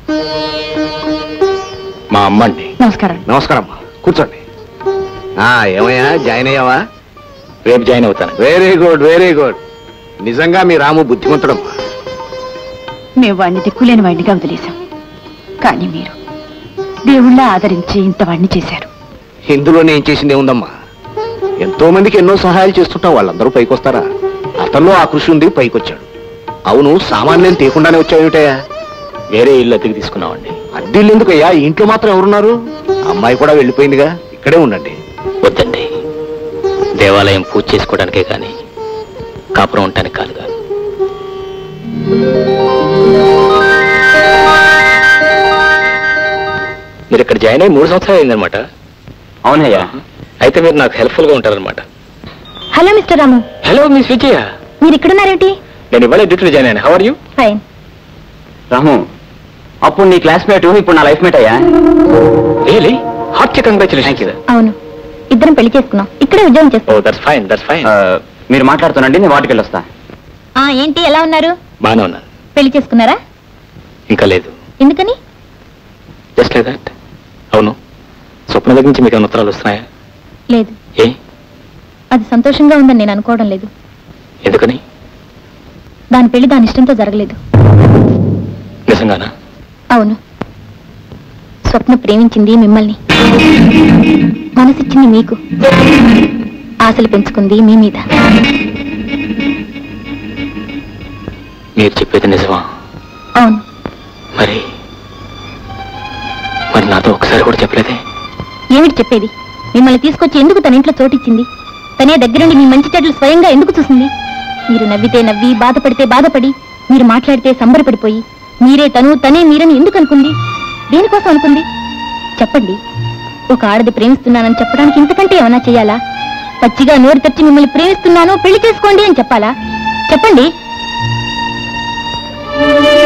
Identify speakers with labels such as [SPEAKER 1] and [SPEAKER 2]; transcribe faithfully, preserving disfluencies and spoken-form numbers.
[SPEAKER 1] మా అమ్మ అండి.
[SPEAKER 2] నమస్కారం.
[SPEAKER 1] నమస్కారం అమ్మా, కూర్చోండి. ఏమయ్యా, జాయిన్ అయ్యావా?
[SPEAKER 3] రేపు జాయిన్ అవుతాను.
[SPEAKER 1] Very good very good. నిజంగా మీ రాము బుద్ధిమంతుడమ్మా.
[SPEAKER 2] మేము వాడిని దిక్కులేని వాడినిగా వదిలేశాం, కానీ మీరు దేవుళ్ళ ఆదరించి ఇంత వాడిని చేశారు.
[SPEAKER 1] ఇందులో నేను చేసింది ఏముందమ్మా? ఎంతో మందికి ఎన్నో సహాయాలు చేస్తుంటాం, వాళ్ళందరూ పైకొస్తారా? అతనిలో ఆ కృషి ఉంది, పైకొచ్చాడు. అవును, సామాన్యం తీయకుండానే వచ్చావుటయ్యా?
[SPEAKER 3] వేరే ఇల్లు అద్దెకి తీసుకున్నామండి.
[SPEAKER 1] అద్దెళ్ళు ఎందుకయ్యా? ఇంట్లో మాత్రం ఎవరున్నారు? అమ్మాయి కూడా వెళ్ళిపోయిందిగా, ఇక్కడే ఉండండి.
[SPEAKER 3] వద్దండి, దేవాలయం పూజ చేసుకోవడానికే కానీ కాపురం ఉండటానికి కాదుగా. మీరు ఇక్కడ జాయిన్ అయ్యి మూడు సంవత్సరాలు అయిందనమాట.
[SPEAKER 4] అవునయ్యా.
[SPEAKER 3] అయితే మీరు నాకు హెల్ప్ఫుల్ గా ఉంటారనమాట.
[SPEAKER 2] Hello mister Ramu.
[SPEAKER 3] Hello miss Vijaya.
[SPEAKER 2] మీరు ఇక్కడున్నారేమిటి?
[SPEAKER 3] నేను ఇవాళ డ్యూటీలో జాయిన్ అయ్యాను. How are you?
[SPEAKER 2] Fine.
[SPEAKER 4] Ramu, అప్పుడు నీ క్లాస్మేట్ ఇప్పుడు నా లైఫ్ మేట్ అయ్యా.
[SPEAKER 3] రియలీ? Heart congratulations.
[SPEAKER 2] అవును, ఇద్దరం పెళ్లి చేసుకున్నాం, ఇక్కడే ఉద్యోగం చేస్తాం.
[SPEAKER 3] Oh that's fine, that's fine.
[SPEAKER 4] మీరు మాట్లాడుతున్నాండి, నేను వాటికి వెళ్ళొస్తా.
[SPEAKER 2] ఏంటి, ఎలా ఉన్నారు?
[SPEAKER 3] బానే ఉన్నాను.
[SPEAKER 2] పెళ్లి చేసుకున్నారా?
[SPEAKER 3] ఇంకా లేదు.
[SPEAKER 2] ఎందుకని?
[SPEAKER 3] Just like that. అవును, స్వప్న దగ్గర నుంచి మీకు ఉత్తరాలు వస్తున్నాయా?
[SPEAKER 2] లేదు.
[SPEAKER 3] ఏ?
[SPEAKER 2] అది సంతోషంగా ఉందని నేను అనుకోవడం లేదు.
[SPEAKER 3] ఎందుకని?
[SPEAKER 2] దాని పెళ్లి దాని ఇష్టంతో జరగలేదు.
[SPEAKER 3] నిజంగానా?
[SPEAKER 2] అవును, స్వప్న ప్రేమించింది మిమ్మల్ని, మనసిచ్చింది మీకు, ఆశలు పెంచుకుంది మీ మీద.
[SPEAKER 3] మీరు చెప్పేది నిజమా?
[SPEAKER 2] అవును.
[SPEAKER 3] మరి మరి నాతో ఒకసారి కూడా చెప్పలేదే?
[SPEAKER 2] ఏమిటి చెప్పేది? మిమ్మల్ని తీసుకొచ్చి ఎందుకు తన ఇంట్లో చోటిచ్చింది? తనే దగ్గరుండి మీ మంచి చెడ్డలు స్వయంగా ఎందుకు చూసింది? మీరు నవ్వితే నవ్వి, బాధపడితే బాధపడి, మీరు మాట్లాడితే సంబరపడిపోయి, మీరే తను తనే మీరని ఎందుకు అనుకుంది? దేనికోసం అనుకుంది చెప్పండి. ఒక ఆడది ప్రేమిస్తున్నానని చెప్పడానికి ఇంతకంటే ఏమన్నా చెయ్యాలా? పచ్చిగా నోరు తెచ్చి మిమ్మల్ని ప్రేమిస్తున్నాను, పెళ్లి చేసుకోండి అని చెప్పాలా? చెప్పండి.